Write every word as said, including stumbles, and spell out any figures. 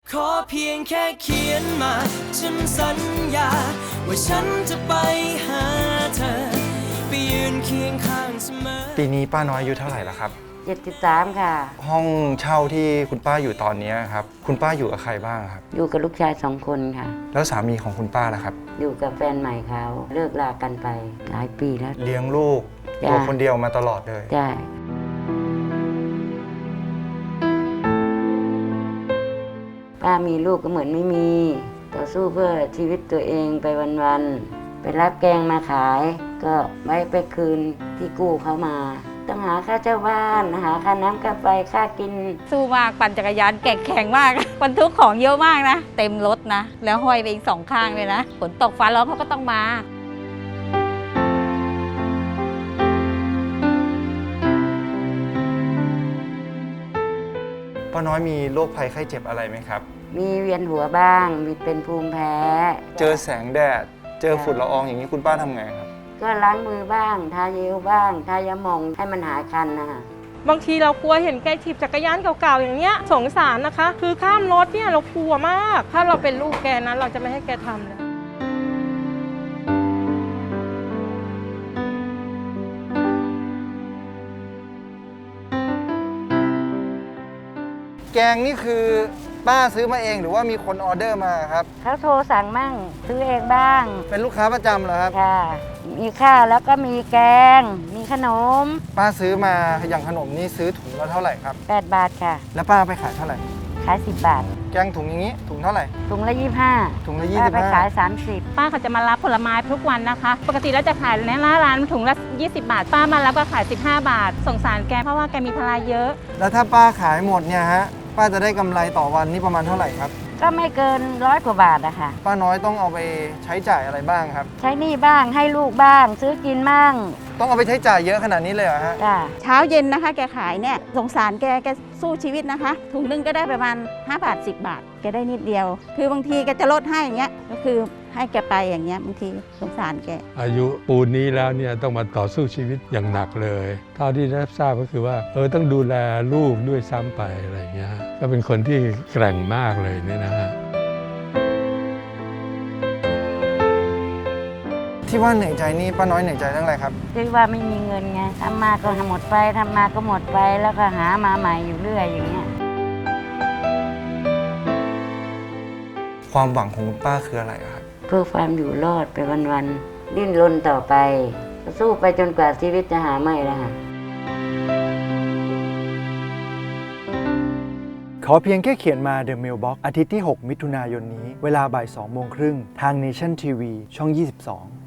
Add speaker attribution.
Speaker 1: ขอเพียงแค่เขียนมาฉันสัญญาว่าฉันจะไปหาเธอไปยืนเคียงข้างเสมอปีนี้ป้าน้อยอายุเท่าไหร่แล้วครับ
Speaker 2: เจ็ดสิบสามค่ะ
Speaker 1: ห้องเช่าที่คุณป้าอยู่ตอนนี้ครับคุณป้าอยู่กับใครบ้างครับ
Speaker 2: อยู่กับลูกชายสองคนค่ะ
Speaker 1: แล้วสามีของคุณป้าล่ะครับ
Speaker 2: อยู่กับแฟนใหม่เขาเลิกลากันไปหลายปีแล้ว
Speaker 1: เลี้ยงลูกตัวคนเดียวมาตลอดเลย
Speaker 2: ใช่ป้ามีลูกก็เหมือนไม่มีต่อสู้เพื่อชีวิตตัวเองไปวันๆไปรับแกงมาขายก็ไว้ไปคืนที่กู้เขามาต้องหาค่าเช่าบ้านหาค่าน้ำค่าไฟค่ากิน
Speaker 3: สู้มากปั่นจักรยานแข็งแข็งมากบรรทุกของเยอะมากนะเต็มรถนะแล้วห้อยไปอีกสองข้างเลยนะฝนตกฟ้าร้องเขาก็ต้องมา
Speaker 1: ป้าน้อยมีโรคภัยไข้เจ็บอะไรไหมครับ
Speaker 2: มีเวียนหัวบ้างมีเป็นภูมิแพ้
Speaker 1: เจอแสงแดดเจอฝุ่นละอองอย่างนี้คุณป้าทำไงครับ
Speaker 2: ก็ล้างมือบ้างทาเยลบ้างทายาหม่องให้มันหายคันนะคะ
Speaker 4: บางทีเรากลัวเห็นแกถีบจักรยานเก่าๆอย่างเงี้ยสงสารนะคะคือข้ามรถเนี่ยเรากลัวมากถ้าเราเป็นลูกแกนั้นเราจะไม่ให้แกทำเลย
Speaker 1: แกงนี่คือป้าซื้อมาเองหรือว่ามีคนออเดอร์มาครับ
Speaker 2: เขาโทรสั่งมั่งซื้อเองบ้าง
Speaker 1: เป็นลูกค้าประจำเหรอครับ
Speaker 2: ค่ะมีข้าวแล้วก็มีแกงมีขนม
Speaker 1: ป้าซื้อมาอย่างขนมนี่ซื้อถุงละเท่าไหร่ครับ
Speaker 2: แปดบาทค่ะ
Speaker 1: แล้วป้าไปขายเท่าไหร่
Speaker 2: ขายสิบบาท
Speaker 1: แกงถุงอย่างนี้ถุงเท่าไหร่
Speaker 2: ถุงละยี่สิบห้า
Speaker 1: ถุงละยี่สิบห้า
Speaker 2: ป้าไปขายสามสิบ
Speaker 3: ป้าเขาจะมารับผลไม้ทุกวันนะคะปกติแล้วจะขายในหน้าร้านถุงละยี่สิบบาทป้ามารับก็ขายสิบห้าบาทสงสารแกเพราะว่าแกมีภาระเยอะ
Speaker 1: แล้วถ้าป้าขายหมดเนี่ยฮะป้าจะได้กำไรต่อวันนี่ประมาณเท่าไหร่ครับ
Speaker 2: ก็ไม่เกินร้อยกว่าบาทอะค่ะ
Speaker 1: ป้าน้อยต้องเอาไปใช้จ่ายอะไรบ้างครับ
Speaker 2: ใช้หนี้บ้างให้ลูกบ้างซื้อกินบ้าง
Speaker 1: ต้องเอาไปใช้จ่ายเยอะขนาดนี้เลยเหรอฮะ
Speaker 2: จ้า
Speaker 3: เช้าเย็นนะคะแกขายเนี่ยสงสารแกแกสู้ชีวิตนะคะถุงนึงก็ได้ประมาณห้าบาทสิบบาทแกได้นิดเดียวคือบางทีแกจะลดให้อย่างเงี้ยก็คือให้แกไปอย่างเงี้ยบางทีสงสารแก
Speaker 5: อายุปูนนี้แล้วเนี่ยต้องมาต่อสู้ชีวิตอย่างหนักเลยเท่าที่ได้ทราบก็คือว่าเออต้องดูแลลูกด้วยซ้ำไปอะไรเงี้ยก็เป็นคนที่แกร่งมากเลยเนี่ยนะฮะ
Speaker 1: ที่ว่าเหนื่อยใจนี่ป้าน้อยเหนื่อยใจเรื่องอะไรครับ
Speaker 2: คือว่าไม่มีเงินไงทำมาก็หมดไปทำมาก็หมดไปแล้วก็หามาใหม่อยู่เรื่อยอย่างเงี้ย
Speaker 1: ความหวังของคุณป้าคืออะไรครับ
Speaker 2: เพื่อความอยู่รอดไปวันๆดิ้นรนต่อไปสู้ไปจนกว่าชีวิตจะหาไม่แล้วค่ะ
Speaker 1: ขอเพียงแค่เขียนมา The Mailbox อาทิตย์ที่หกมิถุนายนนี้เวลาบ่ายสองโมงครึ่งทาง Nation ที วี ช่องยี่สิบสอง